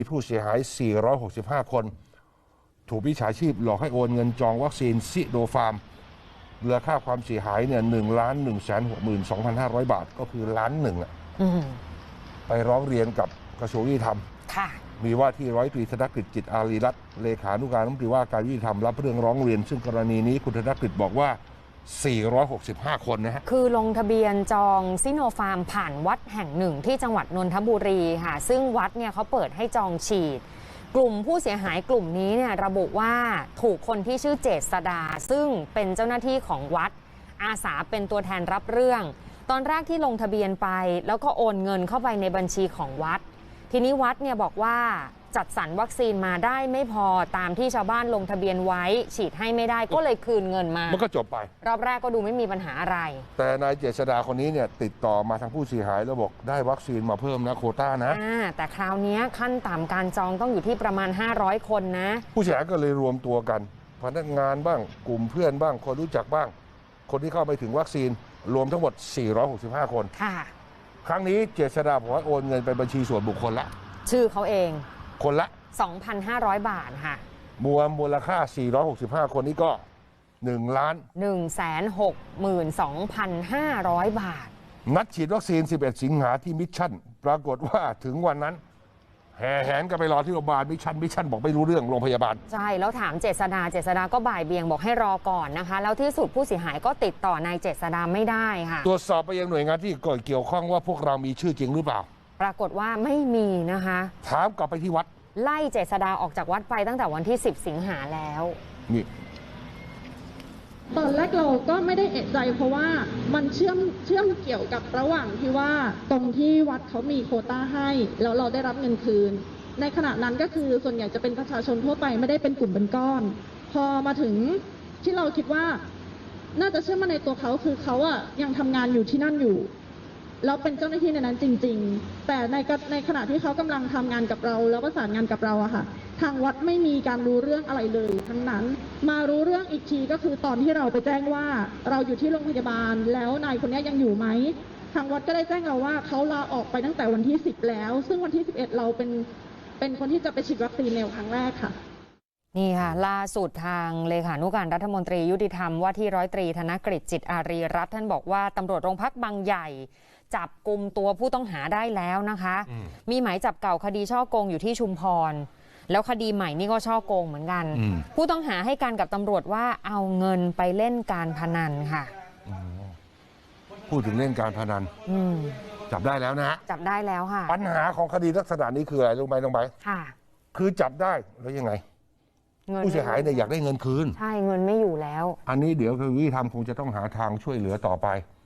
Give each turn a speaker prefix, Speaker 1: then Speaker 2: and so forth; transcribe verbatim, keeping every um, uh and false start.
Speaker 1: ผู้เสียหาย สี่ร้อยหกสิบห้า คน ถูกมิจฉาชีพหลอกให้โอนเงินจองวัคซีนซิโนฟาร์มมูลค่าความเสียหายเนี่ยหนึ่งล้านหนึ่งแสนหกหมื่นสองพันห้าร้อยบาทก็คือล้านหนึ่งอ่ะไปร้องเรียนกับกระทรวงยุติธรรมมีว่าที่ร้อยตรีธนกฤษจิตอารีรัตน์เลขานุการรัฐมนตรีว่าการยุติธรรมรับเรื่องร้องเรียนซึ่งกรณีนี้คุณธนกฤษบอกว่า สี่ร้อยหกสิบห้า คนนะฮะ
Speaker 2: คือลงทะเบียนจองซิโนฟาร์มผ่านวัดแห่งหนึ่งที่จังหวัดนนทบุรีค่ะซึ่งวัดเนี่ยเขาเปิดให้จองฉีดกลุ่มผู้เสียหายกลุ่มนี้เนี่ยระบุว่าถูกคนที่ชื่อเจษดาซึ่งเป็นเจ้าหน้าที่ของวัดอาสาเป็นตัวแทนรับเรื่องตอนแรกที่ลงทะเบียนไปแล้วก็โอนเงินเข้าไปในบัญชีของวัดทีนี้วัดเนี่ยบอกว่าจัดสรรวัคซีนมาได้ไม่พอตามที่ชาวบ้านลงทะเบียนไว้ฉีดให้ไม่ได้ก็เลยคืนเงินมา
Speaker 1: มันก็จบไป
Speaker 2: รอบแรกก็ดูไม่มีปัญหาอะไร
Speaker 1: แต่นายเจษดาคนนี้เนี่ยติดต่อมาทางผู้เสียหายแล้วบอกได้วัคซีนมาเพิ่มนะโควต้านะ
Speaker 2: แต่คราวนี้ขั้นต่ำการจองต้องอยู่ที่ประมาณห้าร้อยคนนะ
Speaker 1: ผู้เสียหายก็เลยรวมตัวกันพนักงานบ้างกลุ่มเพื่อนบ้างคนรู้จักบ้างคนที่เข้าไปถึงวัคซีนรวมทั้งหมดสี่ร้อยหกสิบห้าคน
Speaker 2: ค่ะ
Speaker 1: ครั้งนี้เจษดาบอกว่าโอนเงินไปบัญชีส่วนบุคคลละ
Speaker 2: ชื่อเขาเอง
Speaker 1: คนละ
Speaker 2: สองพันห้าร้อย บาทค่ะ
Speaker 1: มวลมูลค่าสี่ร้อยหกสิบห้าคนนี้ก็หนึ่งล้าน
Speaker 2: หนึ่งแสนหกหมื่นสองพันห้าร้อย บาท
Speaker 1: นัดฉีดวัคซีนสิบเอ็ดสิงหาที่มิชชั่นปรากฏว่าถึงวันนั้นแห่แหนกันไปรอที่โรงพยาบาลมิชชั่นมิชชั่นบอกไม่รู้เรื่องโรงพยาบาล
Speaker 2: ใช่แล้วถามเจษดาเจษดาก็บ่ายเบี่ยงบอกให้รอก่อนนะคะแล้วที่สุดผู้เสียหายก็ติดต่อนายเจษดาไม่ได้ค่ะ
Speaker 1: ตรวจสอบไปยังหน่วยงานที่เกี่ยวข้องว่าพวกเรามีชื่อจริงหรือเปล่า
Speaker 2: ปรากฏว่าไม่มีนะคะ
Speaker 1: ถามกลับไปที่วัด
Speaker 2: ไล่เจษดาออกจากวัดไปตั้งแต่วันที่สิบสิงหาแล้ว
Speaker 1: นี่
Speaker 3: ตอนแรกเราก็ไม่ได้เอะใจเพราะว่ามันเชื่อมเชื่อมเกี่ยวกับระหว่างที่ว่าตรงที่วัดเขามีโควต้าให้แล้วเราได้รับเงินคืนในขณะนั้นก็คือส่วนใหญ่จะเป็นประชาชนทั่วไปไม่ได้เป็นกลุ่มเป็นก้อนพอมาถึงที่เราคิดว่าน่าจะเชื่อมาในตัวเขาคือเขาอะยังทำงานอยู่ที่นั่นอยู่แล้วเป็นเจ้าหน้าที่ในนั้นจริงๆแต่ในในขณะที่เขากำลังทำงานกับเราแล้วประสานงานกับเราอะค่ะทางวัดไม่มีการรู้เรื่องอะไรเลยทั้งนั้นมารู้เรื่องอีกทีก็คือตอนที่เราไปแจ้งว่าเราอยู่ที่โรงพยาบาลแล้วนายคนนี้ยังอยู่ไหมทางวัดก็ได้แจ้งเราว่าเขาลาออกไปตั้งแต่วันที่สิบแล้วซึ่งวันที่สิบเอ็ดเราเป็นเป็นคนที่จะไปฉีดวัคซีนในครั้งแรกค่ะ
Speaker 2: นี่ค่ะล่าสุดทางเลขานุการรัฐมนตรียุติธรรมว่าที่ร้อยตรีธนกฤษจิตอารีรัตน์ท่านบอกว่าตำรวจโรงพักบางใหญ่จับกลุ่มตัวผู้ต้องหาได้แล้วนะคะมีหมายจับเก่าคดีช่อโกงอยู่ที่ชุมพรแล้วคดีใหม่นี่ก็ช่อโกงเหมือนกันผู้ต้องหาให้การกับตำรวจว่าเอาเงินไปเล่นการพนันค่ะ
Speaker 1: พูดถึงเล่นการพนันจับได้แล้วนะฮะ
Speaker 2: จับได้แล้วค่ะ
Speaker 1: ปัญหาของคดีลักษณะนี้คืออะไรรู้ไหมน้องใบ
Speaker 2: ค่ะ
Speaker 1: คือจับได้แล้วยังไงผู้เสียหายเนี่ยอยากได้เงินคืน
Speaker 2: ใช่เงินไม่อยู่แล้ว
Speaker 1: อันนี้เดี๋ยวคือวิธีทำคงจะต้องหาทางช่วยเหลือต่อไป